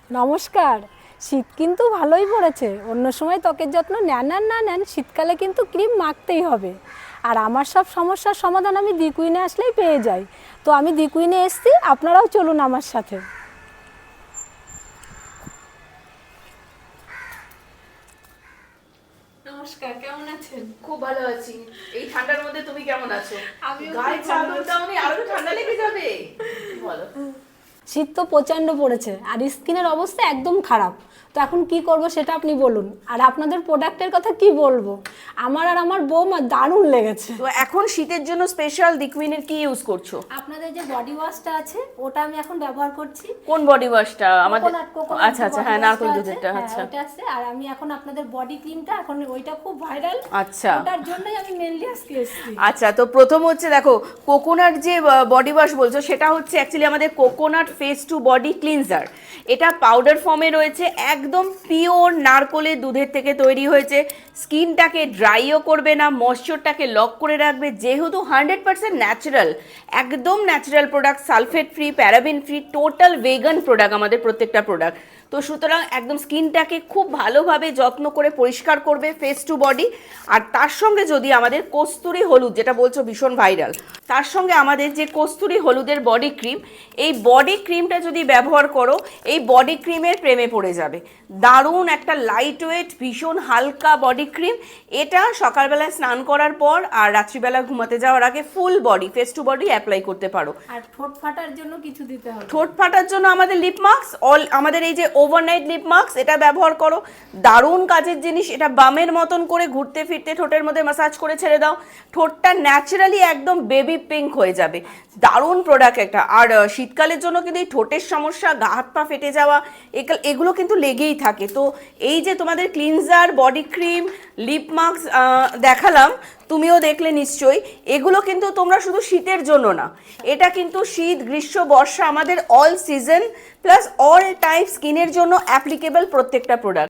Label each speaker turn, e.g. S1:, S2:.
S1: নমস্কার। শীত কিন্তু ভালোই পড়েছে। অন্য সময় ত্বকের যত্ন নেন আর না নেন, শীতকালে কিন্তু ক্রিম মাখতেই হবে। আর আমার সব সমস্যার সমাধান আমি দি কুইনে আসলেই পেয়ে যাই। তো আমি দি কুইনে এসছি, আপনারাও চলুন আমার সাথে। নমস্কার, কেমন আছেন?
S2: খুব ভালো আছি। এই ঠান্ডার মধ্যে তুমি কেমন আছো?
S1: আমিও
S2: গায়ে
S1: খুব ভালো
S2: চাদর
S1: আছি।
S2: দাওনি, আরো তো ঠান্ডা লেগে যাবে। বলো।
S1: শীত তো প্রচণ্ড পড়েছে আর স্কিনের অবস্থা একদম খারাপ। তো এখন কি করব সেটা আপনি বলুন। আর আপনাদের প্রোডাক্টের কথা কি বলবো, আমার আর আমার বৌমা দারুণ লেগেছে।
S2: তো এখন শীতের জন্য স্পেশাল দিকুইনের কি ইউজ করছো?
S1: আপনাদের যে বডি ওয়াশটা আছে ওটা আমি এখন ব্যবহার করছি।
S2: কোন বডি ওয়াশটা? আমাদের
S1: কোকোনাট
S2: আচ্ছা আচ্ছা, হ্যাঁ, নারকেল দুধেরটা। আচ্ছা
S1: ওটা আছে। আর আমি এখন আপনাদের বডি ক্রিমটা, এখন ওইটা খুব ভাইরাল।
S2: আচ্ছা
S1: ওটার জন্যই আমি মেনলি আজকে এসেছি।
S2: আচ্ছা, তো প্রথম হচ্ছে দেখো, কোকোনাট যে বডি ওয়াশ বলছো সেটা হচ্ছে অ্যাকচুয়ালি আমাদের coconut face to body cleanser. এটা পাউডার ফর্মে রয়েছে, একদম পিওর নারকেলের দুধের থেকে তৈরি হয়েছে। স্কিনটাকে ড্রাইও করবে না, ময়েশ্চারটাকে লক করে রাখবে, যেহেতু 100% ন্যাচারাল, একদম natural product, sulphate free, paraben free, total vegan product আমাদের প্রত্যেকটা প্রোডাক্ট। তো সুতরাং একদম স্কিনটাকে খুব ভালোভাবে যত্ন করে পরিষ্কার করবে ফেস টু বডি। আর তার সঙ্গে যদি আমাদের কস্তুরি হলুদ, যেটা বলছো ভীষণ ভাইরাল, তার সঙ্গে আমাদের যে কস্তুরি হলুদের বডি ক্রিম, এই বডি ক্রিমটা যদি ব্যবহার করো, এই বডি ক্রিমের প্রেমে পড়ে যাবে। দারুণ একটা লাইট ওয়েট, ভীষণ হালকা বডি ক্রিম। এটা সকালবেলায় স্নান করার পর আর রাত্রিবেলা ঘুমাতে যাওয়ার আগে full body, face to body apply করতে পারো।
S1: আর ঠোঁট ফাটার জন্য কিছু দিতে হবে?
S2: ঠোঁট ফাটার জন্য আমাদের লিপ মাস্ক, আমাদের এই যে ওভারনাইট লিপ মাস্ক, এটা ব্যবহার করো। দারুণ কাজের জিনিস। এটা বামের মতন করে ঘুরতে ফিরতে ঠোঁটের মধ্যে ম্যাসাজ করে ছেড়ে দাও, ঠোঁটটা ন্যাচারালি একদম বেবি পিঙ্ক হয়ে যাবে। দারুণ প্রোডাক্ট একটা। আর শীতকালের জন্য কিন্তু এই ঠোঁটের সমস্যা, গা হাত পা ফেটে যাওয়া, এগুলো কিন্তু লেগেই থাকে। তো এই যে তোমাদের cleanser, body cream, lip mask দেখালাম, তুমিও দেখলে নিশ্চয়ই, এগুলো কিন্তু তোমরা শুধু শীতের জন্য না, এটা কিন্তু শীত, গ্রীষ্ম, বর্ষা, আমাদের all season plus all type স্কিনের জন্য অ্যাপ্লিকেবল প্রত্যেকটা প্রোডাক্ট।